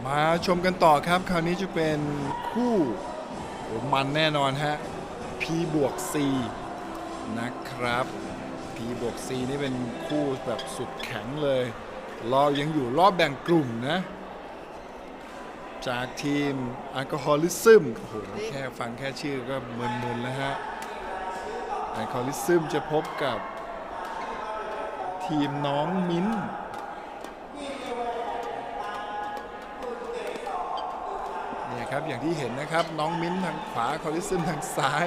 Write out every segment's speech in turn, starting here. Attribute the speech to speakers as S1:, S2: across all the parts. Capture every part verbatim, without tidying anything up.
S1: มาชมกันต่อครับคราวนี้จะเป็นคู่มันแน่นอนฮะ P บวก C นะครับ P บวก C นี่เป็นคู่แบบสุดแข็งเลยเรายังอยู่รอบแบ่งกลุ่มนะจากทีม Alcoholism โอ้โหแค่ฟังแค่ชื่อก็มึนๆแล้วฮะ Alcoholism จะพบกับทีมน้องมิ้นนี่ครับอย่างที่เห็นนะครับน้องมิ้นทางขวาคอลิซึมทางซ้าย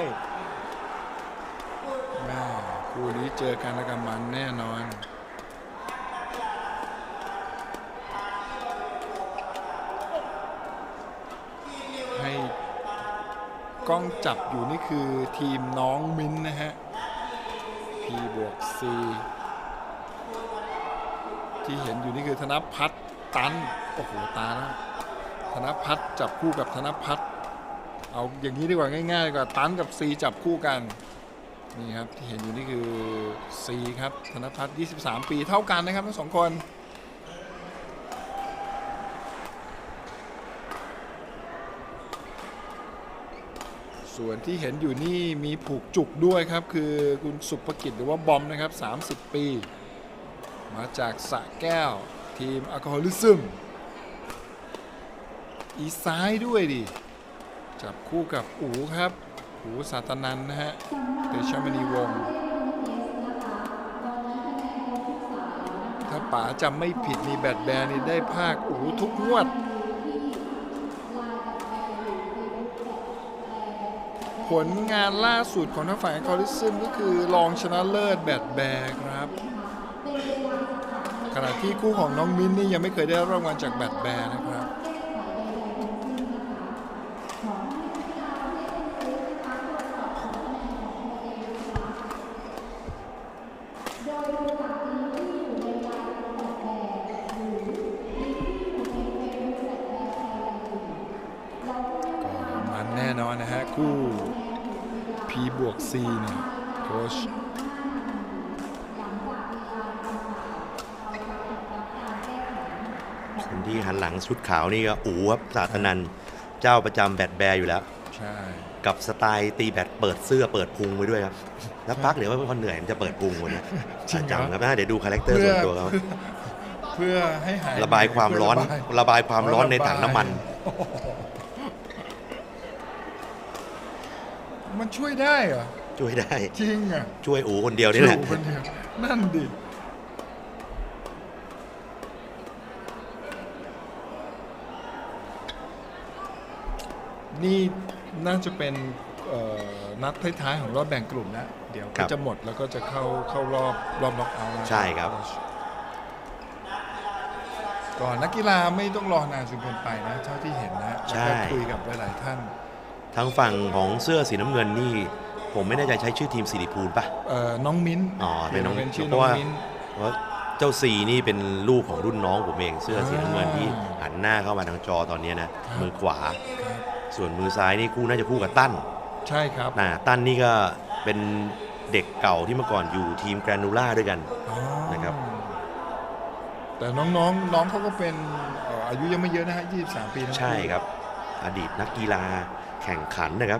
S1: แม่คู่นี้เจอกันแล้วกันมันแน่นอนให้กล้องจับอยู่นี่คือทีมน้องมิ้นนะฮะ P บวก C ที่เห็นอยู่นี่คือธนพัฒน์ตันโอ้โหตาแล้วธนพัฒน์จับคู่กับธนพัฒน์เอาอย่างนี้ดีกว่าง่ายๆดีกว่าตันกับ C จับคู่กันนี่ครับที่เห็นอยู่นี่คือ C ครับธนพัฒน์ยี่สิบสามปีเท่ากันนะครับทั้งสองคนส่วนที่เห็นอยู่นี่มีผูกจุกด้วยครับคือคุณสุภกิจหรือว่าบอมนะครับสามสิบปีมาจากสระแก้วทีม Alcoholism อีซ้ายด้วยดิจับคู่กับอู๋ครับอู๋สาตนันนะฮะเตชะมณีวงศ์ถ้าป๋าจำไม่ผิดมีแบดแบร์นี่ได้ภาคอู๋ทุกงวดผลงานล่าสุดของทางฝ่าย Alcoholism ก็คือรองชนะเลิศแบดแบร์ครับขณะที่คู่ของน้องมิ้นนี่ยังไม่เคยได้รางวัลจากแบดแบร์นะครับมันแน่นอนนะฮะคู่ P บวก C เนี่ยโค้ช
S2: คนที่หันหลังชุดขาวนี่ก็อู๋ครับสาธนันเจ้าประจำแบดแบร์อยู่แล้ว
S1: ใช่
S2: กับสไตล์ตีแบดเปิดเสื้อเปิดพุงไปด้วยครับแล้วพักเดี๋ยวว่าพอเหนื่อยมันจะเปิดพุงวันนี้จำครับนะเดี๋ยวดูคาแรคเตอร์ส่วนตัวเขา
S1: เพื่อให้หาย
S2: ระบายความร้อนระบายความร้อนในถังน้ำมัน
S1: มันช่วยได้เหรอ
S2: ช่วยได้
S1: จริงอ่ะ
S2: ช่วยอู๋คนเดียวนี่แหละ
S1: นั่นดินี่น่าจะเป็นนัดท้ายๆของรอบแบ่งกลุ่มนะเดี๋ยวก็จะหมดแล้วก็จะเข้าเข้ารอบรอบน็อกเอาท์
S2: ใช่ครับ
S1: ก่อนนักกีฬาไม่ต้องรอนานจนเกินไปนะเท่าที่เห็นนะแล้วก็คุยกับหลายๆท่าน
S2: ทางฝั่งของเสื้อสีน้ำเงินนี่ผมไม่แน่ใจใช้ชื่อทีมสิริภูลป่ะ
S1: เอ่อน้องมิ้น
S2: อ๋อเป็นน้อง
S1: เป็นชื่อน้องมิ้น
S2: เพราะเจ้าซีนี่เป็นลูกของรุ่นน้องผมเองเสื้อสีน้ำเงินที่หันหน้าเข้ามาทางจอตอนนี้นะมือขวาส่วนมือซ้ายนี่คู่น่าจะคู่กับตั้น
S1: ใช่ครับ
S2: นะตั้นนี่ก็เป็นเด็กเก่าที่เมื่อก่อนอยู่ทีมแกรนูล่าด้วยกันนะครับ
S1: แต่น้องๆ น้องเขาก็เป็นอายุยังไม่เยอะนะฮะยี่สิบสามปี
S2: ใช่ครับอดีตนักกีฬาแข่งขันนะครับ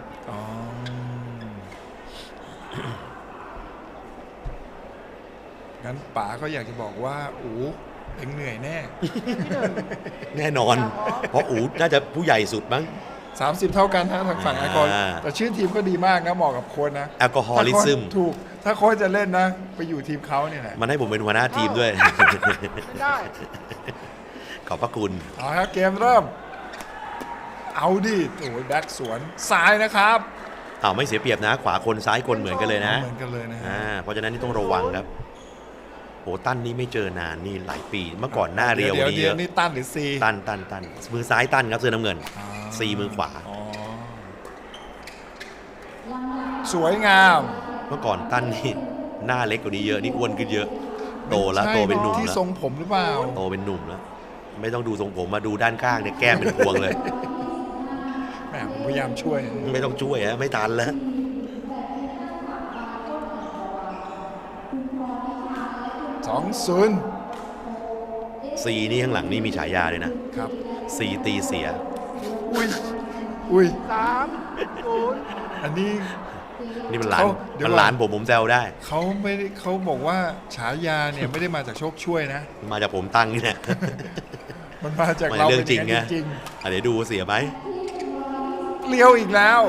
S1: งั้นป๋าก็อยากจะบอกว่าอู๋เอ็งเหนื่อยแน่
S2: แน่นอนเพราะอู๋น่าจะผู้ใหญ่สุดมั้ง
S1: สามสิบเท่ากันทางฝั่งแอลกอฮอล์แต่ชื่อทีมก็ดีมากนะเหมาะกับโค้ชนะ
S2: แอลกอฮอลิซึม
S1: ถูกถ้าโค้ชจะเล่นนะไปอยู่ทีมเขาเนี่ยนะ
S2: มันให้ผมเป็นหัวหน้าทีมด้วยได้ขอบพระคุณ
S1: เอาครับเกมเริ่มเอาดิโอ้ยแบ็คสวนซ้ายนะครับ
S2: เอาไม่เสียเปรียบนะขวาคนซ้ายคนเหมือนกันเลยนะ
S1: เหมือนกันเลยนะ
S2: อ่าเพราะฉะนั้นนี่ต้องระวังครับโหตั้นนี่ไม่เจอนานนี่หลายปีเมื่อก่อนหน้าเรียว
S1: นี้เดี๋ยวนี่ตั้นหรือซี
S2: ตั้นตั้นตั้นมือซ้ายตั้นครับเสื้อน้ำเงินซีมือขวา
S1: สวยงาม
S2: เมื่อก่อนตั้นนี่หน้าเล็กกว่านี้เยอะนี่อ้วนขึ้นเยอะโตแล้วโตเป็นหนุ่มแล้ว
S1: ที่ทรงผมหรือเปล่า
S2: โตเป็นหนุ่มแล้วไม่ต้องดูทรงผมมาดูด้านข้างเนี่ยแก้มเป็นพวงเลย
S1: แหมผมพยายามช่วย
S2: ไม่ต้องช่วยฮะไม่ทันแล้ว
S1: สองศูนย์
S2: ซีนี่ข้างหลังนี่มีฉายาเลยนะครับสีตีเสีย
S1: อุ้ยอุ้ย
S3: สามศูนย์
S1: อันนี้
S2: นี่มันหลาน
S1: เขาเดี๋ยว
S2: มัน
S1: ก่อน
S2: หลานผมผมแซวได้
S1: เขาไม่ได้เขาบอกว่าฉายาเนี่ยไม่ได้มาจากโชคช่วยนะ
S2: มาจากผมตั้งนี่แหละ
S1: มันมาจาก
S2: ไม่
S1: เรา
S2: เรื่อง
S1: เป็น
S2: จริง
S1: อย่าง
S2: ไง
S1: นั้นจริง
S2: อ่ะเดี๋ยวดูเสียไหม
S1: ๆเลี้ยวอีกแล้ว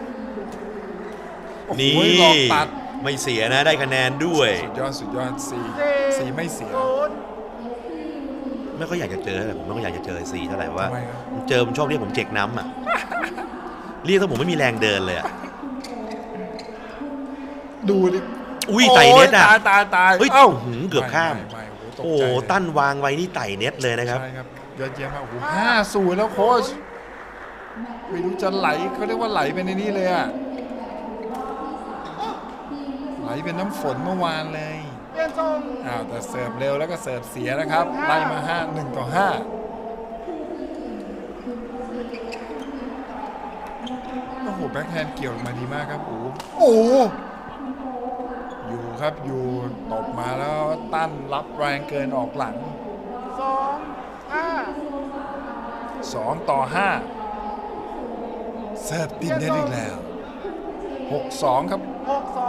S1: โอ้โห
S2: นี่
S1: หลอกตัด
S2: ไม่เสียนะได้คะแนนด้วย
S1: สุดยอดสุดยอดสีสีไม่เสีย
S3: ศูนย์
S2: ไม่ค่อยอยากจะเจอแต่ผมไม่ค่อยอยากจะเจอซีเท่าไหร่ว่า
S1: ทำไมครับ
S2: เจอผมชอบเรียกผมเจ็กน้ำอ่ะ เรียกถ้าผมไม่มีแรงเดินเลยอ่ะ
S1: ดูดิ
S2: อุ้ยไต่เน็ตอ่ะ
S1: ตายตายตาย
S2: เฮ้ย
S1: เอ้า
S2: หืมเกือบข้าม
S1: ไไไโอ้
S2: โอ้
S1: โห
S2: โห
S1: ตกใจเลย
S2: ตั้นวางไว้นี่ไต่เน็ตเลยนะครับ
S1: ใช่ครับยอดเยี่ยมมากโอ้โหห้าศูนย์แล้วโค้ชไม่รู้จะไหลเขาเรียกว่าไหลไปในนี้เลยอะไหลเป็นน้ำฝนเมื่อวานเลย
S3: เปลี่ยนทรง
S1: อ้าวแต่เสิร์ฟเร็วแล้วก็เสิร์ฟเสียนะครับไล่มาห้าหนึ่งต่อห้าโอ้โหแบ็คแฮนด์เกี่ยวลงมาดีมากครับโอ้โหโอ้โหอยู่ครับอยู่ตบมาแล้วตั้นรับแรงเกินออกหลัง
S3: สองห้า
S1: สองต่อห้าเสิร์ฟติดได้อีกแล้วหกสองครับ
S3: หกสอง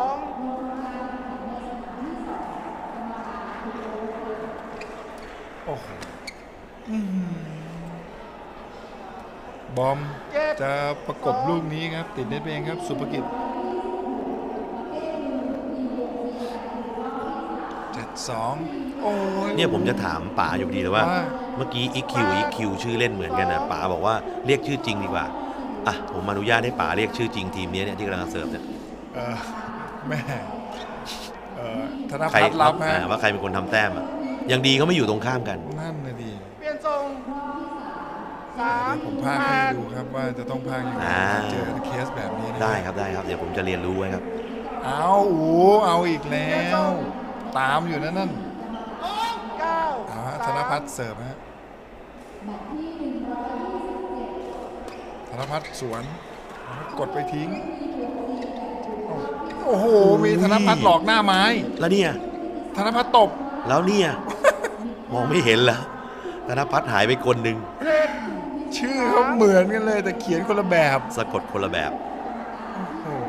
S1: โอ้โหอื้อหือบอมจะประกบลูกนี้ครับ ติดเน็ตไปเองครับ สุภกิจเจ็ดสองโอ้ย
S2: เนี่ยผมจะถามป๋าอยู่ดีเลยว่า
S1: ว่า
S2: เมื่อกี้อีคิวอีคิวชื่อเล่นเหมือนกันนะป๋าบอกว่าเรียกชื่อจริงดีกว่าอ่ะผมอนุญาตให้ป๋าเรียกชื่อจริงทีมนี้เนี่ยที่กำลังจะเสิร์ฟเนี่ย
S1: เออแม่เออธน
S2: ใคร
S1: พัฒน์รับฮะ
S2: อ่าว่าใครเป็นคนทำแต้มอ่ะยังดีเขาไม่อยู่ตรงข้ามกัน
S1: นั่นนะดี
S3: เปลี่ยนทรงสาม
S1: เดี๋ยวผมพาก
S3: แป
S1: ให้
S3: ด
S1: ดูครับว่าจะต้องพากยังไง
S2: อ่า
S1: เจอเคสแบบนี้นะ
S2: ได้ครับได้ครับเดี๋ยวผมจะเรียนรู้ไว้ครับ
S1: เอาโอ้เอาอีกแล้ว ตามอยู่นั่นนั่น
S3: เก้า
S1: เอาฮะธ
S3: สาม
S1: นพัฒน์เสิร์ฟฮะธนพัฒน์สวนกดไปทิ้ง โอ้โห มีธนพัฒน์หลอกหน้าไม้
S2: แล้วเนี่ย
S1: ธนพัฒน์ตบ
S2: แล้วเนี่ย มองไม่เห็นแล้วธนพัฒน์หายไปคนหนึ่ง
S3: เจ็ด
S1: ชื่อเขาเหมือนกันเลยแต่เขียนคนละแบบ
S2: สะกดคนละแบบ
S1: โอ้โห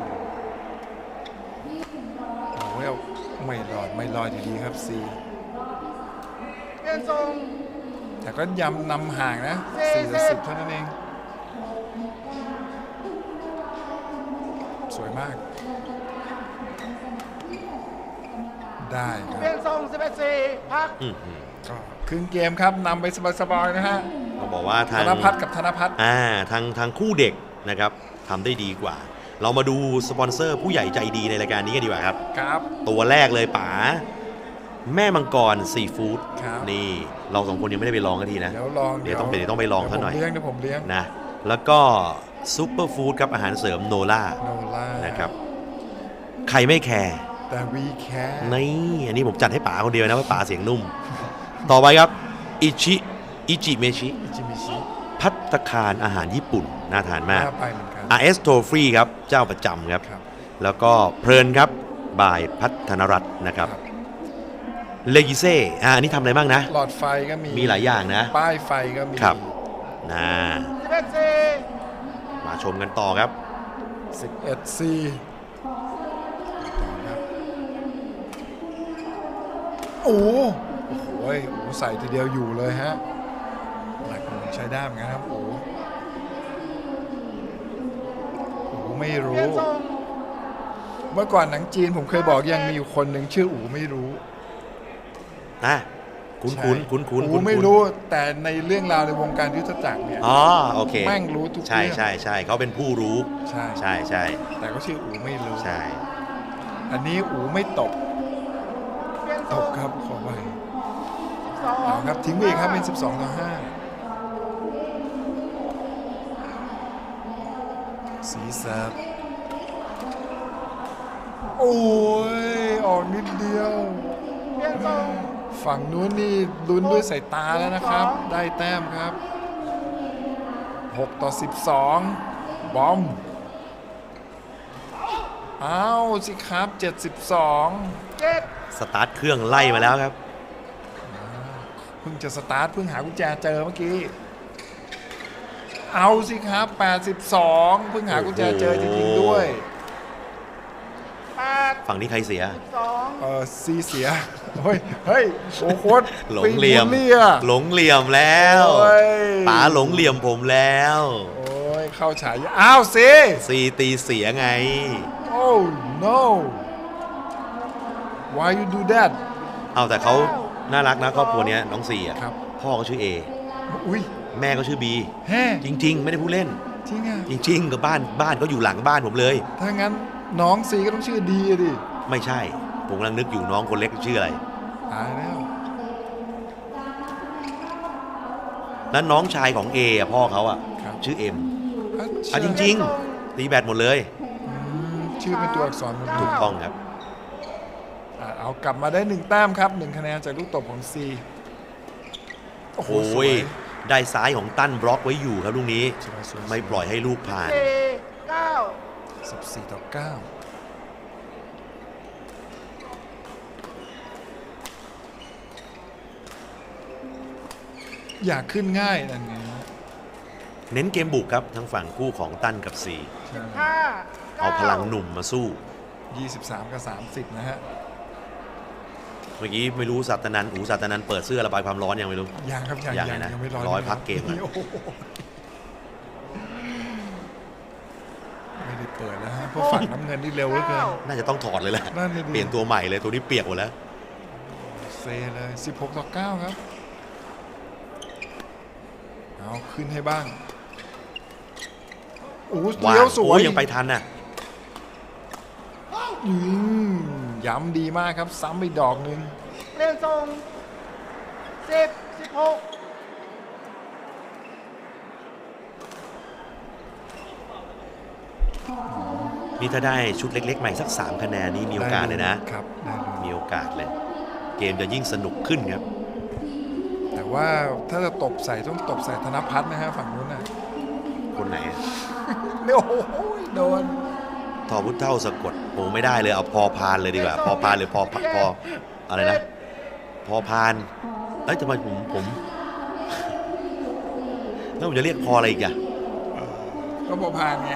S1: โอ้ยไม่รอดไม่รอดอยู่ดีครับซี
S3: เปลี่ยนทรง
S1: แต่ก็ยำนำห่างนะสี่ต่อสิบเท่านั้นเอง สวยมาก ได้ค
S3: เปลี่
S1: รั
S3: ย
S1: บ
S3: นทรงสิบเอ็ดสี่พัก
S2: อื้อหือ
S1: ก็ครึ่งเกมครับนำไปสบายๆนะฮะ
S2: ต้องบอกว่า
S1: ธ
S2: ทาง
S1: นพัฒน์กับธนพัฒน์
S2: อ่าทางทางคู่เด็กนะครับทำได้ดีกว่า เรามาดูสปอนเซอร์ผู้ใหญ่ใจดีในรายการนี้กันดีกว่าครับ
S1: ครับ
S2: ตัวแรกเลยป๋าแม่มังกรซีฟู้ด
S1: ครับ
S2: นี่เราสองคนยังไม่ได้ไปลองกันทีนะ
S1: เดี๋ยวลอง
S2: เดี๋ยวต้องไปเดี๋ยวต้องไปลองซะหน่อย
S1: เดี๋ยวผมเลี้ยงเดี๋ยวผมเลี้ยง
S2: นะแล้วก็ซูเปอร์ฟู้ดครับอาหารเสริมโนล่า
S1: โนล่า
S2: นะครับใครไม่แคร์
S1: แต่วีแคร์
S2: นี่อันนี้ผมจัดให้ป๋าคนเดียวนะว่าป๋าเสียงนุ่ม ต่อไปครับอิชิอิจิเมชิ
S1: อิจิมิชิ
S2: พัตตาคารอาหารญี่ปุ่นน่าทานมาก
S1: น่าไปเหมือนกัน
S2: อาร์ เอส โทฟรีครับเจ้าประจำครับ
S1: ครับ
S2: แล้วก็เพลินครับบายพัฒนรัตน์นะครับเลกิเซ่อ่าอันนี้ทำอะไรบ้างนะ
S1: หลอดไฟก็มี
S2: มีหลายอย่างนะ
S1: ป้ายไฟก็มี
S2: ครับ นะ
S3: สิบเอ็ดสี่
S2: มาชมกันต่อครับ
S1: สิบเอ็ดซีโอ้โหโอ้โหโอ้โหใส่ทีเดียวอยู่เลยฮะหลักใช้ได้เหมือนกันครับโอ้โหโอ้โหไม่
S3: เปลี่
S1: รู้
S3: ยนทรง
S1: เมื่อก่อนหนังจีนผมเคยบอกยังมีอยู่คนหนึ่งชื่ออูไม่รู้
S2: นะคุ้นคุ้นคุ้นคุ้น
S1: อู
S2: คุ้น
S1: ไม่รู้แต่ในเรื่องราวในวงการยุทธจักรเนี่ย
S2: อ๋อโอเค
S1: แม่งรู้ทุก
S2: ใช่
S1: เรื่อง
S2: ใช่ใช่เขาเป็นผู้รู้
S1: ใช่
S2: ใช่ใช่
S1: แต่ก็ชื่ออูไม่รู้
S2: ใช่
S1: อันนี้อูไม่ตบ
S3: เปลี่ยนท
S1: ต
S3: รง
S1: บครับขอไป
S3: สอง
S1: เอาครับทิ้งไปอีกครับเป็นสิบสองต่อห้าสีเสิร์ฟโอ้ยออกนิดเดียว
S3: เปลี่ยนทรง
S1: ฝั่งนู้นนี่ลุ้นด้วยสายตาแล้วนะครับ ได้แต้มครับหกต่อสิบสองบอมเอาสิครับเจ็ดสิบสอง
S3: เจ็ด
S2: สตาร์ทเครื่องไล่มาแล้วครับ
S1: เพิ่งจะสตาร์ทเพิ่งหากุญแจเจอเมื่อกี้เอาสิครับแปดสิบสองเพิ่งหากุญแจเจอจริงๆด้วย
S3: แปด
S2: ฝั่งนี้ใครเสีย
S3: สิบสอง
S1: เออซีเสียเฮ้ยเฮ้ยโอ้โคตร
S2: หลงเหลี่ยม
S1: ปีนบุเรีย
S2: หลงเหลี่ยมแล้ว
S1: โอ้ย
S2: ป๋าหลงเหลี่ยมผมแล้ว
S1: โอ้ยเข้าฉายอ้าวซี
S2: ซีตีเสียไง
S1: โอ้ no why you do that
S2: เอาแต่เขาน่ารักนะครอบครัวเนี้ยน้องซีอ่ะ
S1: ครับ
S2: พ่อก็ชื่อเอ
S1: อุ้ย
S2: แม่ก็ชื่อบี
S1: แฮ่
S2: จริง ๆ ไม่ได้พูดเล่น
S1: จริงอ่ะ
S2: จริง ๆ กับบ้านบ้านก็อยู่หลังบ้านผมเลย
S1: ถ้างั้นน้องซีก็ต้องชื่อดีอะดิ
S2: ไม่ใช่ ผมกำลังนึกอยู่น้องคนเล็กชื่ออะไร
S1: ตายแล้ว
S2: แล้วน้องชายของเออะพ่อเขาอ่ะ
S1: ครับ
S2: ชื่อเอ็ม
S1: อ่ะ
S2: อ่ะจ
S1: ชื่
S2: ริง ๆ ตีแบตหมดเลย
S1: อืมชื่อเป็นตัวอักษรหมดเลย
S2: ถูกต้องครับ
S1: อ่ะเอากลับมาได้หนึ่งแต้มครับหนึ่งคะแนนจากลูกตบของซีโอ้โห
S2: โอ้
S1: สวย ย
S2: ได้ซ้ายของตั้นบล็อกไว้อยู่ครับลูกนี้
S1: สวยสวย
S2: ไม่ปล่อยให้ลูกผ่าน
S3: สี่เก้า
S1: สิบสี่ต่อเก้าอยากขึ้นง่ายนั่นไง
S2: เน้นเกมบุกครับทั้งฝั่งคู่ของตั้นกับซี
S3: ห้า
S2: เอาพลังหนุ่มมาสู้
S1: ยี่สิบสามกับสามสิบนะฮะ
S2: เมื่อกี้ไม่รู้สัตนันอูสัตนันเปิดเสื้อระบายความร้อนยังไม่รู้
S1: ยังครับยัง
S2: ยัง
S1: ยัง
S2: ไงนะ
S1: ยังไม่ร้อย
S2: ร้อย
S1: นะ
S2: พักเกมอะ
S1: โอ้โหไม่ได้เปิดแล้วฮะเพราะฝั่งน้ำเงินนี่เร็วเหลือเกิน
S2: น่าจะต้องถอดเลยแหละ
S1: นั่นเลยดิ
S2: เปลี่ยนตัวใหม่เลยตัวนี้เปียกหมดแล้ว
S1: เซเลยสิบหกต่อเก้าครับเอาขึ้นให้บ้างโอ้โห
S2: ว้า
S1: เลี้ยวสวย
S2: โอ้ยังไปทันน่ะ
S1: อืมย้ำดีมากครับซ้ำไปดอกหนึ่ง
S3: เปลี่ยนทรงสิบสิบหก
S2: นี่ถ้าได้ชุดเล็กๆใหม่สักสามคะแนนนี่มีโอกาสเลยนะ
S1: ครับได้เลย
S2: มีโอกาสเลย เกมจะยิ่งสนุกขึ้นครับ
S1: แต่ว่าถ้าจะตบใส่ต้องตบใส่ธนพัฒน์นะฮะฝั่งนู้นน่ะ
S2: คนไหนอะ
S1: เนี่ยโอ้โหโดน
S2: ทอพุทธเท่าสะกดโอ้ไม่ได้เลยเอาพอพานเลยดีกว่า พอพานหรือพอพพออะไรนะ พอพานเอ้ยทำไมผมผม แล้วผมจะเรียกพออะไรอีกอะ
S1: ก็พอพานไง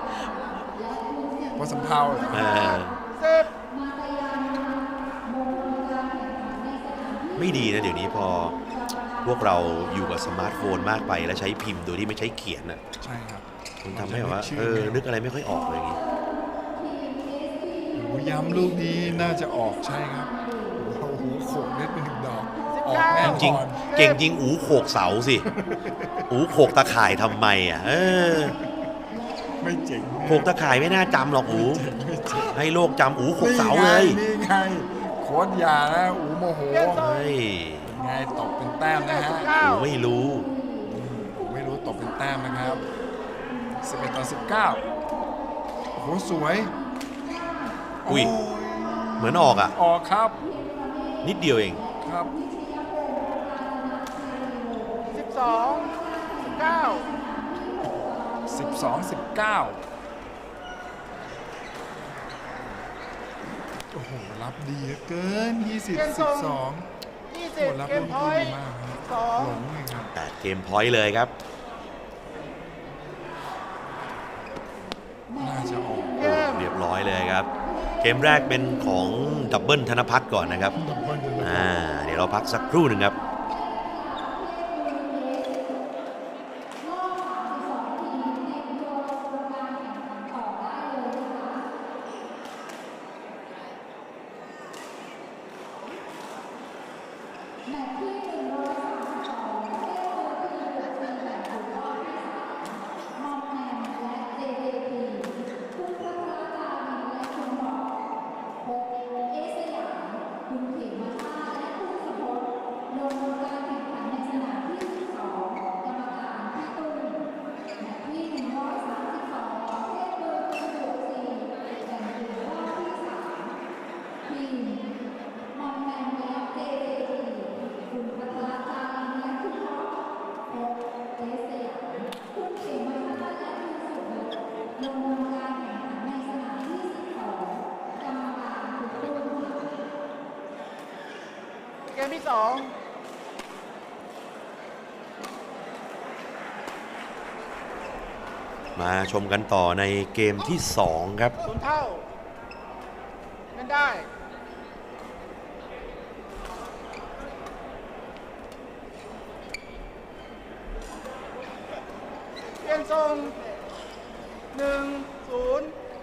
S1: พอสำเภาเหรอ
S2: เออ
S3: สิบ
S2: ไม่ดีนะเดี๋ยวนี้พอพวกเราอยู่กับสมาร์ทโฟนมากไปแล้วใช้พิมพ์โดยที่ไม่ใช้เขียนน่ะ
S1: ใช่ครับ
S2: มันทำให้แบบว่าเออนึกอะไรไม่ค่อยออกเลยอย่างงี้
S1: โอ้โหย้ำลูกนี้น่าจะออกใช่ครับโอ้โหโขกเล็ดเป็นหนึ่งดอกออกแน่
S2: จริง
S1: นอน
S2: ๆเก่งจริงอูโขกเสาสิ อูโขกตะข่ายทำไมอ่ะเออ
S1: ไม่เจ๋ง
S2: โขกตะข่ายไม่น่าจำหรอกอู
S1: ไม่เจ๋ง
S2: ให้โลกจำอูโขกเสาเลย
S1: นี่ไงโค้ดยานะอูโมโห
S2: เฮ้ย
S1: ไงตบเป็นแต้มนะฮะ
S2: อูไม่รู้
S1: อูไม่รู้ตบเป็นแต้มนะครับสิบเอ็ดต่อสิบเก้าโอ้โหสวย
S2: อุ้ย
S1: โ
S2: เหมือนออกอ่ะ
S1: ออกครับ
S2: นิดเดียวเอง
S1: ครับ
S3: สิบสองสิบเก้า
S1: สิบสอง สิบเก้าโอ้โหรับดีเหลือเกินยี่สิบ สิบสอง
S3: ยี่
S1: โอ้
S3: สิบ
S1: รับ
S3: เก
S1: ลู
S3: ม
S1: ก
S3: พอ
S1: ที่
S3: ย
S1: ดี
S3: ต์
S1: มากครับ
S3: สอง
S1: หลงเลยครับ
S2: แต่เกมพอยต์เลยครับ
S1: น่าจะออก
S3: เกม
S2: เรียบร้อยเลยครับ เกมแรกเป็นของดับเบิลธนพัฒน์ก่อนนะครับ
S1: ดับเบิลเลย
S2: อ่า เดี๋ยวเราพักสักครู่หนึ่งครับ
S3: เกมที่สอง
S2: มาชมกันต่อในเกมที่สองครับ
S3: ศูนย์เท่าเล่นได้ เปลี่ยนทรงหนึ่งศูนย์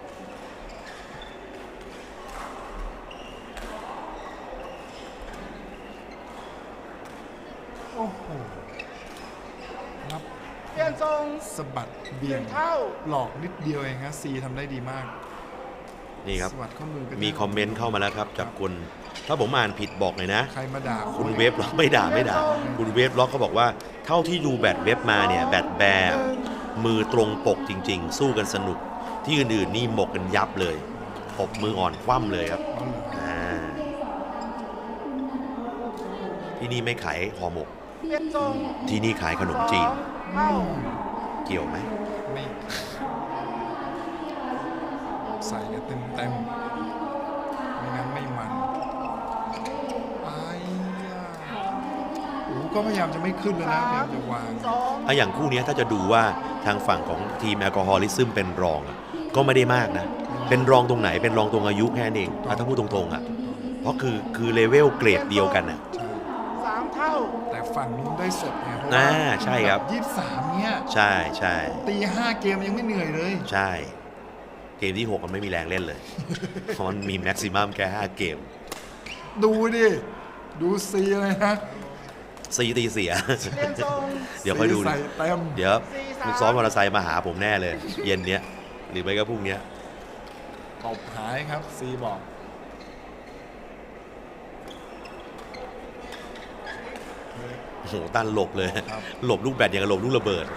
S1: โอ้โหรับ
S3: เปลี่ยนทรง
S1: สะบัด
S3: ห
S1: เบี่ย
S3: นึ่
S1: ง
S3: งเท่า
S1: หลอกนิดเดียวเองฮะซีทำได้ดีมาก
S2: นี่ครับ
S1: สวัสดข้อมือกัน
S2: มีคอมเมนต์เข้ามาแล้วครับจากคุณถ้าผมอ่านผิดบอกหน่อยนะ
S1: ใครมาด่า
S2: คุณเวฟล็อกไม่ด่าไม่ด่า คุณเวฟล็อกเขาบอกว่าเท่าที่ดูแบตเวฟมาเนี่ยแบตแบร์มือตรงปกจริง ๆ สู้กันสนุกที่อื่นๆนี่หมกกันยับเลยตบมืออ่อนคว่ำเลยครับอ่าที่นี่ไม่ขายห่อหมก
S3: เปลี่ยนทรง
S2: ที่นี่ขายขนมจีน
S3: สองเท่า
S2: เกี่ยวไหม
S1: ไม่ใส่กันเต็มเต็มๆไม่งั้นไม่มันไอ้ยาโอ้โหก็พยายามจะไม่ขึ้นแล้วนะพยายามจะวาง
S3: สอง
S2: อะอย่างคู่เนี้ยถ้าจะดูว่าทางฝั่งของทีมแอลกอฮอลิซึมเป็นรองอะก็ไม่ได้มากนะ เป็นรองตรงไหนเป็นรองตรงอายุแค่นั้นเองอ่ะถ้าพูดตรงๆอ่ะเพราะคือคือเลเวลเกรดเดียวกันอ่ะ
S1: ใช่
S3: สามเท่า
S1: แต่ฝั่งนู้นได้สดไงเพราะ
S2: อ่า
S1: ว่า
S2: ใช่ครับ
S1: ยี่สิบสามเนี้ย
S2: ใช่ใช่
S1: ตีห้าเกมยังไม่เหนื่อยเลย
S2: ใช่ เกมที่หกมันไม่มีแรงเล่นเลย เพราะมันมีแม็กซิมัมแค่ห้าเกม
S1: ดูดิ ดูซีเลยนะ
S2: ซีตีเสีย
S3: เปลี่ยนทรง
S2: เดี๋ยวค่อยดู
S1: ซีใส่เต็ม
S2: เดี๋ยว
S3: สี่สาม
S2: มึงซ้อนมอเตอร์ไซค์มาหาผมแน่เลย เย็นเนี้ยหรือไม่ก็พรุ่งเนี้ย
S1: ตบหายครับซีบอกเฮ้ย
S2: โอ้โหตั้นหลบเลย
S1: ครับ
S2: หลบลูกแบตอย่างกับหลบลูกระเบิด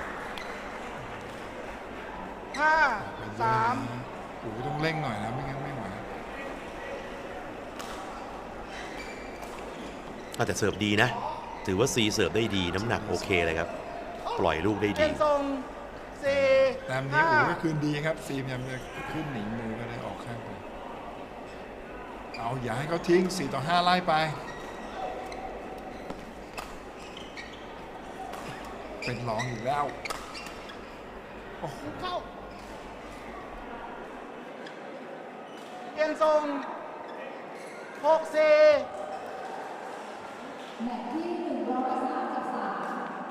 S3: ห้าสาม
S1: โอ้โหต้องเร่งหน่อยนะไม่งั้นไม่ไหว
S2: อาจจะเสิร์ฟดีนะ ถือว่าซีเสิร์ฟได้ดีน้ำหนักโอเคเลยครับ ปล่อยลูกได้
S3: เปลี่
S2: ดี
S3: ยนทรงสี่
S1: แต้มนี้
S3: ห้า
S1: โอ้โหก็คืนดีครับซีพยายามจะขึ้นหนีมือก็ได้ออกข้างไปเอาอย่าให้เขาทิ้งสี่ต่อห้าไล่ไป เป็นรองอยู่แล้วโอ้โห
S3: เข้า เปลี่ยนทรงหกสี่
S4: แมตช์ที่หนึ่งร้อยสามสิบสาม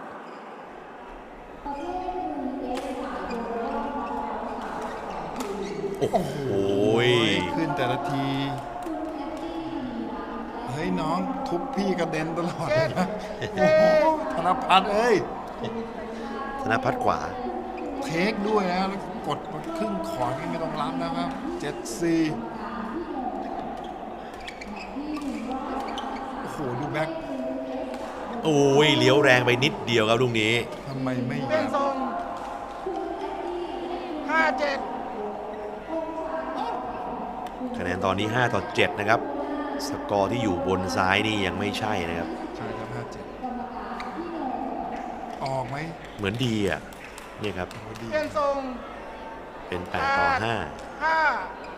S4: ประเภทมือเอสสายโยนรอบน็อกเอาท์สามสิบสองที
S2: โอ้โห
S1: ขึ้นแต่ละที
S4: คุณแอดดี้มีรักและ
S1: เฮ้ยน้องทุบพี่กระเด็นตลอดเลยนะ
S3: เจ็
S1: โอ้
S3: ด
S1: โหธนพัฒน์เอ้ย
S2: ธนพัฒน์ขวา
S1: เทคด้วยนะแล้วกดมาครึ่งขอนี่ไม่ต้องรับนะครับเจ็ดสี่โอ้โห ดูแบ็ค
S2: โอ้ยเลี้ยวแรงไปนิดเดียวครับลูกนี้
S1: ทำไมไม่
S3: เปลี่ยน
S1: ยับ
S3: ทรงห้าเจ็ด
S2: คะแนนตอนนี้ห้าต่อเจ็ดนะครับ สกอร์ที่อยู่บนซ้ายนี่ยังไม่ใช่นะครับ
S1: ใช่ครับห้าเจ็ดออกไหม
S2: เหมือนดีอ่ะเนี่ยครับ
S1: โอ้ดี
S3: เปลี่ยนทรง
S2: เป็นแปดต่อห้า
S3: ห้า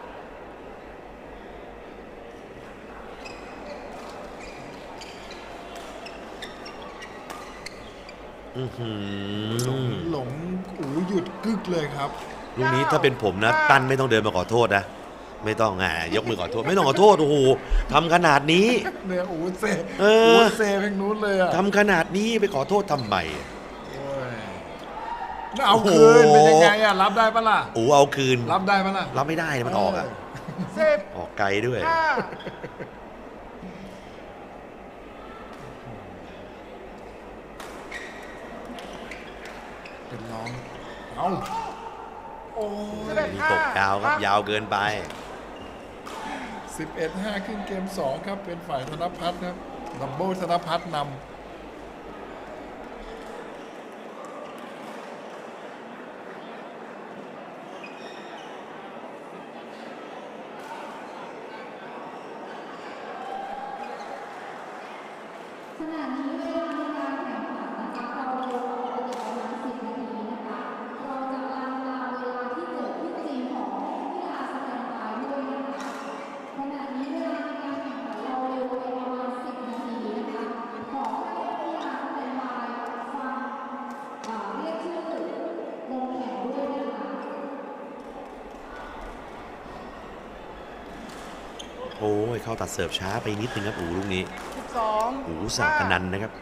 S2: อื้อหื
S1: หลง
S2: อ
S1: หลงอูหยุดกึกเลยครับ
S2: ลูกนี้ถ้าเป็นผมนะ ตั้นไม่ต้องเดินมาขอโทษนะ ไม่ต้องอ่ะยกมือขอโทษ ไม่ต้องขอโทษ โอ้โหทำขนาดนี้
S1: เนี่ยอูเซ
S2: เออ
S1: อูเซเพลงนู้นเลยอ่ะ
S2: ทำขนาดนี้ไปขอโทษทำไม
S1: โอ้ยแล้วเอาคืนเป็นยังไงอ่ะ รับได้ปะล่ะ
S2: โอ้เอาคืน
S1: รับได้ปะล่ะ
S2: รับไม่ได้นะมันออกอ่ะ
S3: สิบ
S2: ออกไกลด้วย
S3: ห้า
S1: เป็นร้อง เอาโอ้
S3: สิบ
S1: ย
S3: เอ็ด
S2: มี
S3: ห้า
S2: ตกยาวครับ ยาวเกินไป
S1: สิบเอ็ดห้าขึ้นเกมสองครับ เป็นฝ่ายธนพัฒน์ครับดับเบิลธนพัฒน์นำ
S2: โอ้ยเข้าตัดเสิร์ฟช้าไปนิดนึงครับอูลูกนี้
S3: สิบสอง
S2: อูสาพนันนะครับ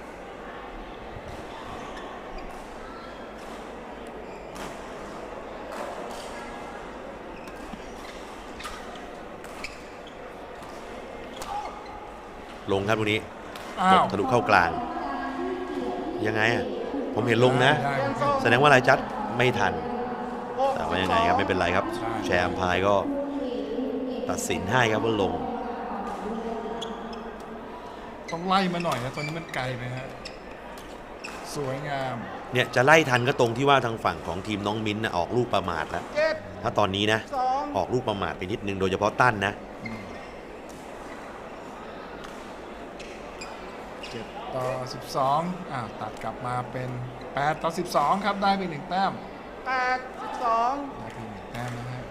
S2: ลงครับลูกนี้
S1: อ้า
S2: ต
S1: ว
S2: กทะลุเข้ากลาง ยังไงอ่ะผมเห็นลงนะ
S1: ได้
S3: เปลี่ยน
S1: ได้
S3: ทรง
S2: แสดงว่าอะไรจัดไม่ทัน
S3: หก
S2: แต่ว่ายังไงครับไม่เป็นไรครับ
S1: ใช่
S2: แชร์อัมพายก็ตัดสินให้ครับว่าลง
S1: ต้องไล่มาหน่อยนะตอนนี้มันไกลไปฮะสวยงาม
S2: เนี่ยจะไล่ทันก็ตรงที่ว่าทางฝั่งของทีมน้องมิ้นท์นะออกลูกประมาทแล้ว
S3: เจ็ด
S2: ถ้าตอนนี้นะ
S3: สอง
S2: ออกลูกประมาทไปนิดนึงโดยเฉพาะตั้นนะ
S1: เจ็ดต่อสิบสองอ่าตัดกลับมาเป็นแปดต่อสิบสองครับได้ไปหนึ่งแต้ม
S3: แปดสิบสอง
S1: ได้ไปหนึ่งแต้มนะฮะ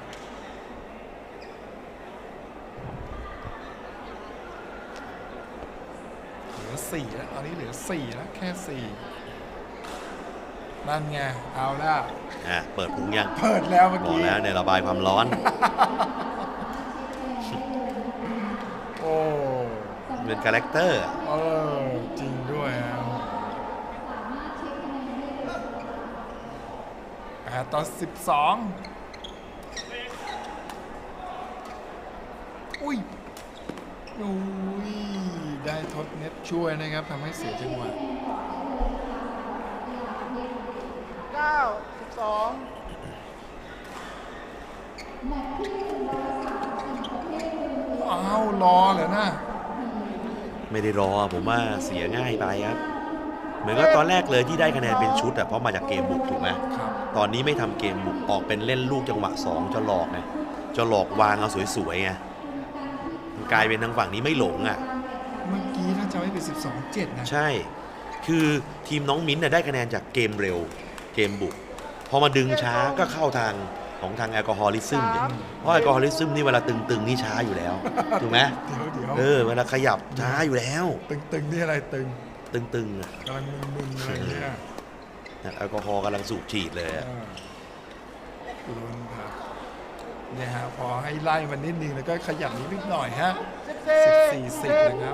S1: เหลือสี่แล้วตอนนี้เหลือสี่แล้วแค่สี่นั่นไงเอาแล้ว
S2: อ่ะเปิดพุงยัง
S1: เปิดแล้วเมื่อบ
S2: อ
S1: กี้
S2: กแล้วเนี่ยระบายความร้อน
S1: โอ้
S2: เป็นคาแรคเตอร์
S1: เออจริงด้วยฮะแปดต่อสิบสองอุ้ยอุ้ยได้ทดเน็ตช่วยนะครับทำให้เสียจังหวะ
S3: เก้าสิบสอง
S1: อ้าวรอเหรอนะ
S2: ไม่ได้รอผมว่าเสียง่ายไปครับ เหมือนกับตอนแรกเลยที่ได้คะแนนเป็นชุดอะเพราะมาจากเกมบุกถูกไหม
S1: ครับ
S2: ตอนนี้ไม่ทำเกมบุกออกเป็นเล่นลูกจังหวะสองจะหลอกไงจะหลอกวางเอาสวยๆไงมันกลายเป็นทางฝั่งนี้ไม่หลงอะ
S1: เมื่อกี้ถ้าจะไม่เป็นสิบสองเจ็ดนะ
S2: ใช่ คือทีมน้องมิ้นท์น่ะได้คะแนนจากเกมเร็ว เกมบุก พอมาดึงช้าก็เข้าทางของทางแอลกอฮอลิซึมเนี่ยเพราะแอลกอฮอลิซึมนี่เวลาตึงๆนี่ช้าอยู่แล้ว ถูกไหม
S1: เดี๋ยวเดี๋ยว
S2: เออ เวลาขยับช้าอยู่แล้ว
S1: ตึงตึงนี่อะไรตึง
S2: ตึงๆอะ
S1: กำลังมึนๆอะไรเนี่ย
S2: แอลกอฮอล์กำลังสูบฉีดเลย
S1: เอ
S2: อะ
S1: อลุ้นครับเนี่ยฮะพอให้ไล่มันนิดนึงแล้วก็ขยับนิดหน่อยฮะ
S3: สิบ
S1: สิบ
S3: สี่
S1: สี่สิบนะครับ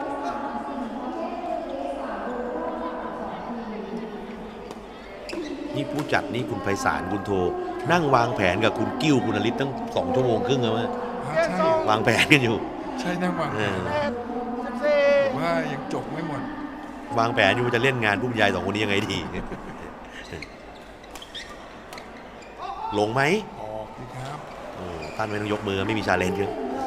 S2: นี่ผู้จัดนี่คุณไพศาลคุณโท นั่งวางแผนกับคุณกิ้วคุณอลิศตั้งสองชั่วโมงครึ่งแล้วมั้ย
S1: อ่าใช่
S2: วางแผนกันอยู่
S1: ใช่นั่งวางแผน
S2: เออ
S3: เอ็ดสิบสี่
S1: แต่ว่ายังจบไม่หมด
S2: วางแผนอยู่ว่าจะเล่นงานผู้บรรยายสองคนนี้ยังไงดี ลงไหม
S1: ออกดีครับ
S2: โอ้ท่านไม่ต้องยกมือไม่มีชาเลนจ์เลย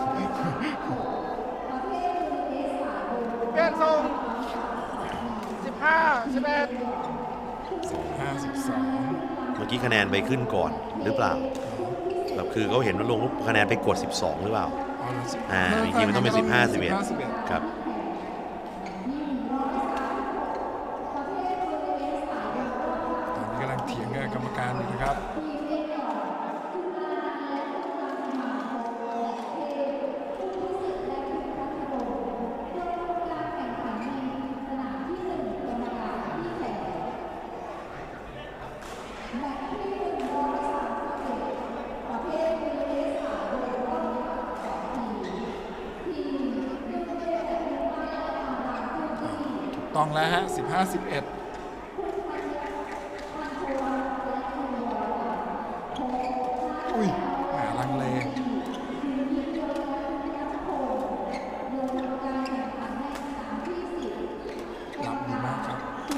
S3: เปลี่ยนทรงสิบห้าสิบเอ็ด
S1: สิบห้าสิบสอง
S2: เมื่อกี้คะแนนไปขึ้นก่อนหรือเปล่าแบบคือเขาเห็นว่าลงปุ๊บคะแนนไปกดสิบสองหรือเปล่า อ่าจริงๆมันต้องเป็นสิบห้าสิบเอ็ด ครับ
S1: ตอนนี้กำลังเถียงกับกรรมการอยู่นะครับ ต้องแล้วฮะสิบห้าสิบเอ็ดอุ้ยแหมลังเลรับดีมากครับ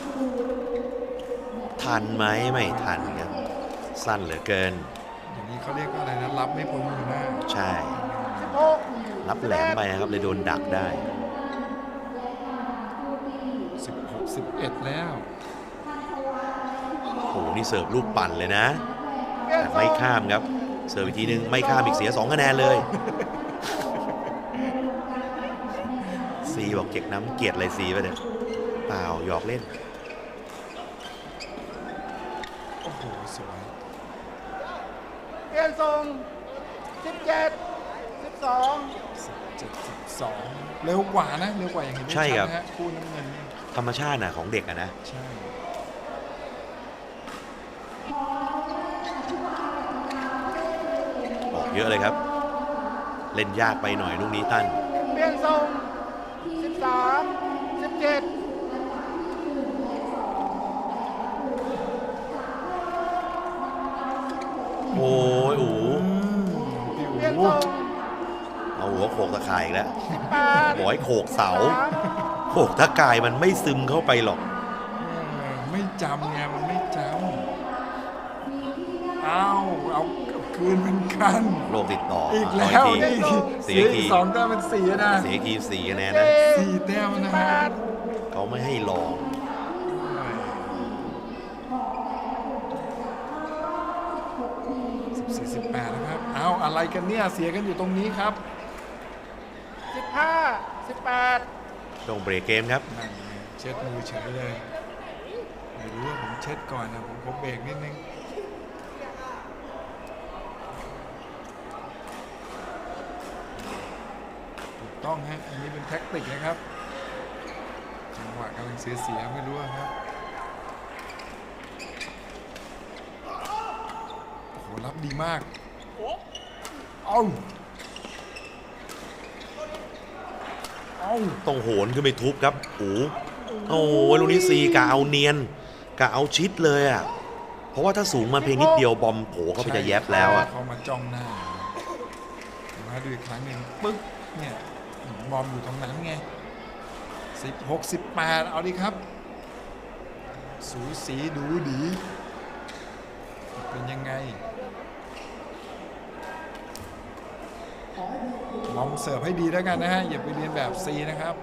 S2: ทันไหมไม่ทันครับ สั้นเหลือเกิน
S1: อย่างนี้เขาเรียกว่าอะไรนะ รับไม่พ้นมือหน้า
S2: ใช่
S3: สิบหก
S2: รับแหลมไปนะครับเลยโดนดักได้
S1: สิบหก สิบเอ็ดแล้ว
S2: โอ้โหนี่เสิร์ฟลูกปั่นเลยนะ
S3: เปลี่ยน
S2: แต่
S3: ทร
S2: ไม่
S3: ง
S2: ข้ามครับ เสิร์ฟอีกทีนึงไม่ข้ามอีกเสียสองคะแนนเลย ซีบอกเก็กน้ำเกลียดอะไรซีไปเนี่ยเปล่าหยอกเล่น
S1: โอ้โห สวย
S3: เปลี่ยนทรงสิบเจ็ดสิบสอง
S1: สิบเจ็ด สิบสอง เร็วกว่านะ เร็วกว่าอย่างเห็นได้
S2: ใช่
S1: ชัด
S2: ครับ
S1: นะฮะคู่น้ำเงิน
S2: ธรรมชาติน่ะของเด็กอะนะ
S1: ใช่
S2: ออกเยอะเลยครับเล่นยากไปหน่อยลูกนี้ตั้น
S3: เปลี่ยนทรงสิบสามสิบเจ็ด
S2: โอ้ยอู
S1: พี่
S3: เปลี่ยน
S1: อู๋
S3: ทรง
S2: เอาหัวโขกตะข่ายอีกแล้ว
S3: แปด
S2: บอกให้โขกเสา
S3: สาม
S2: โขกตะข่ายมันไม่ซึมเข้าไปหรอก
S1: เออไม่จำไงมันไม่จำเอาเอาคืนเหมือนกัน
S2: โรคติดต่อ
S1: อีก
S2: เอา
S1: แล้ว
S2: ที
S1: นี่
S2: เสี
S1: เสี
S2: ย
S1: ย
S2: ที
S1: อีกสองแต้มเป็นสี่นะ
S2: เสียกีสี่คะแนนนะ
S1: สี่แต้มนะ
S3: แป
S1: ฮะ
S3: ด
S2: เขาไม่ให้ลอง
S1: สิบสี่สิบแปดนะครับเอาอะไรกันเนี่ยเสียกันอยู่ตรงนี้ครับ
S3: สิบห้าสิบแปด
S2: ต้องเบรกเกมครับ
S1: นั่นไงเช็ดมือเฉยเลยไม่รู้ว่าผมเช็ดก่อนนะผมขอเบรกนิดนึงถูกต้องฮะอันนี้เป็นแท็กติกนะครับจังหวะกำลังเสียเสียๆไม่รู้อะครับโอ้โหรับดีมากเอาเอา
S2: ต้องโหนขึ้นไปทุบครับอูโอ้ยลูกนี้ซีกะเอาเนียนกะเอาชิดเลยอ่ะ เพราะว่าถ้าสูงมาเพียงนิดเดียวบอมโผล่เข้าไปจะแยบแล้วอ่ะ
S1: เขามาจ้องหน้ามาดูอีกครั้งหนึ่งปึ๊กเนี่ยบอมอยู่ตรงนั้นไงสิบหกสิบแปดเอาดิครับ สูสีดูดีเป็นยังไงบอมเสิร์ฟให้ดีแล้วกันนะฮะอย่าไปเรียนแบบซีนะครับ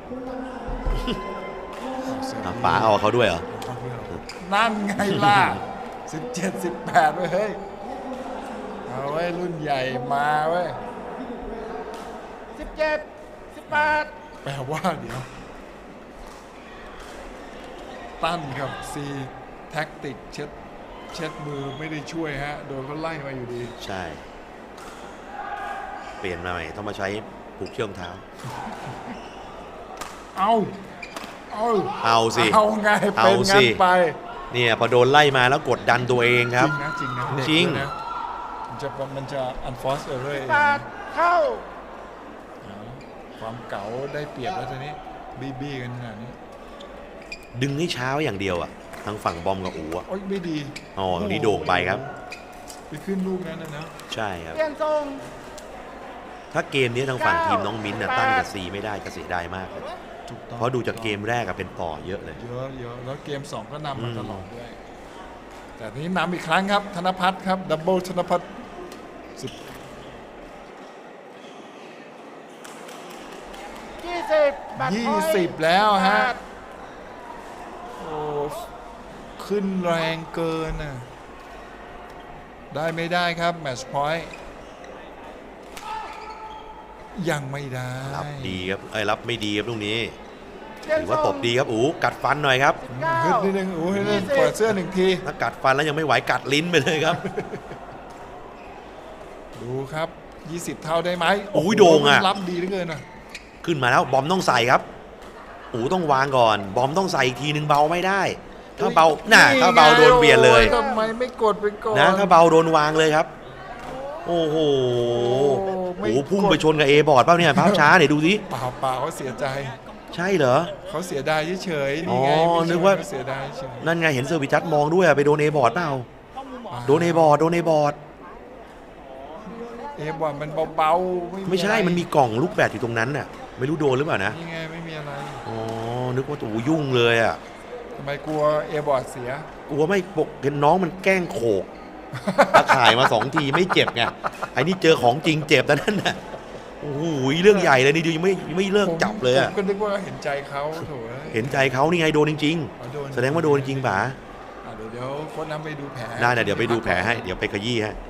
S1: เอาเสิร์ฟ
S2: อ่ะ
S1: ดี
S2: ป๋าเอาเขาด้วยเหรอ
S1: เอาเพื่อนนั่นไงล่ะ สิบเจ็ด สิบแปดเว้ยเฮ้ย เอาไว้ยรุ่นใหญ่มาเว้ย
S3: สิบเจ็ดสิบแปด
S1: แปลว่าเดี๋ยว ตั้นกับซีแท็กติกเช็ดเช็ดมือไม่ได้ช่วยฮะ โดนเขาไล่มาอยู่ดี
S2: ใช่ เปลี่ยนมาใหม่ต้องมาใช้ผูกเชือกรองเท้า
S1: เอาเอา
S2: เอาสิ
S1: เอาไง
S2: เอา
S1: เป็น
S2: สิ
S1: งั้นไป
S2: เนี่ยพอโดนไล่มาแล้วกดดันตัวเองครับ
S1: จริงนะจริงนะเด็ก
S2: จริง
S1: ด้วยนะมันจะมันจะ unforced error เอง
S3: แปดเข้า
S1: เอาความเก๋าได้เปรียบแล้วทีนี้บี้บี้กันขนาดนี้
S2: ดึงให้เช้าอย่างเดียวอ่ะทางฝั่งบอมกับอูอ่ะ
S1: โอ๊ยไม่ดี
S2: อ๋อตรงนี้โด่งไปครับ
S1: ไปขึ้นลูกนั้นนะนะ
S2: ใช่ครับ
S3: เปลี่ยนทรง
S2: ถ้าเกมนี้ทางฝั่งทีมน้องมิ้นท์น่ะตั้งกับซีไม่ได้จะเสียดายมากเลย
S1: ถูกต้อง
S2: เพราะดูจากเกมแรกอะเป็นต่อเยอะเลย
S1: เยอะเยอะแล้วเกมสองก็นำมา
S2: อืม
S1: ตลอดด้วย แต่ทีนี้นำอีกครั้งครับ ธนพัฒน์ครับ ดับเบิลธนพัฒน์สิบ
S3: ยี่สิบแบต
S1: ยี่
S3: พอยต์
S1: สิบแล้วฮะ
S3: แปด
S1: โอ้ขึ้นแรงเกินน่ะได้ไม่ได้ครับ แมตช์พอยต์ยังไม่ได้
S2: รับดีครับไอ้ยรับไม่ดีครับตรงนี้
S3: เปลี่ยน
S2: ถือ
S3: ท
S2: ว่า
S3: รง
S2: ตบดีครับอูกัดฟันหน่อยครับ
S3: สิบเก้า
S1: ฮึดนิดนึงโอ้ยนิดนึง
S3: ยี่สิบ
S1: เปิดเสื้อหนึ่งที
S2: ถ้ากัดฟันแล้วยังไม่ไหวกัดลิ้นไปเลยครับ
S1: ดูครับ ยี่สิบ เท่าได้ไหม
S2: โอ้ยโด่งอะ
S1: รับดีเหลือเกินอ่ะ
S2: ขึ้นมาแล้วบอมต้องใส่ครับอูต้องวางก่อน บอมต้องใส่อีกทีนึงเบาไม่ได้ ถ้าเบาน่ะถ้าเบาโดนเบียดเลย
S1: โอ้ทำไมไม่กดไปก่อน
S2: นะถ้าเบาโดนวางเลยครับ โอ้โห
S1: ไม่
S2: โอ้โหพุ่งไปชนกับเอบอร์ดเปล่าเนี่ยภาพช้าเดี๋ยวดูสิ
S1: เปล่าเปล่าเขาเสียใจ
S2: ใช่เหรอ
S1: เขาเสียดายเฉยๆนี่ไง
S2: อ๋อ
S1: ไม่ใช่
S2: นึกว่า
S1: เขเสียดายเฉย
S2: นั่นไงเห็นเซอร์วิสจัดมองด้วยอะไปโดนเอบอร์ดเปล่าโดนเอบอร์ดโดนเอบอร์ด
S1: เอบอลมันเบาๆ
S2: ไม่ใช่
S1: อะร
S2: มันมีกล่องลูกแบดอยู่ตรงนั้นน่ะไม่รู้โดนหรือเปล่านะ
S1: นี่ไงไม่มีอะไร
S2: อ๋อนึกว่าตัวยุ่งเลยอ่ะ
S1: ทำไมกลัวเอบอลเสีย
S2: กลัวไม่ปกเห็นน้องมันแกล้งโขกตะข่ายมาสองทีไม่เจ็บไงไอ้นี่เจอของจริงเจ็บแต่นั่นน่ะโอ้โหเรื่องใหญ่เลยนี่ดูยังไม่ไม่เลิกจับเลย
S1: ผ
S2: อะ
S1: มก็นึกว่าเห็นใจเขาโถอ้ย
S2: เห็นใจเขานี่ไงโดนจริง
S1: อ๋อโดน
S2: ๆ แสดงว่าโดนจริงป่ะ
S1: อ่ะเดี๋ยวเดี๋ยวโค้ชน้ำไปดูแผล
S2: ได้นะเดี๋ยวไปดูแผลให้เดี๋ยวไปขยี้ให้
S1: ค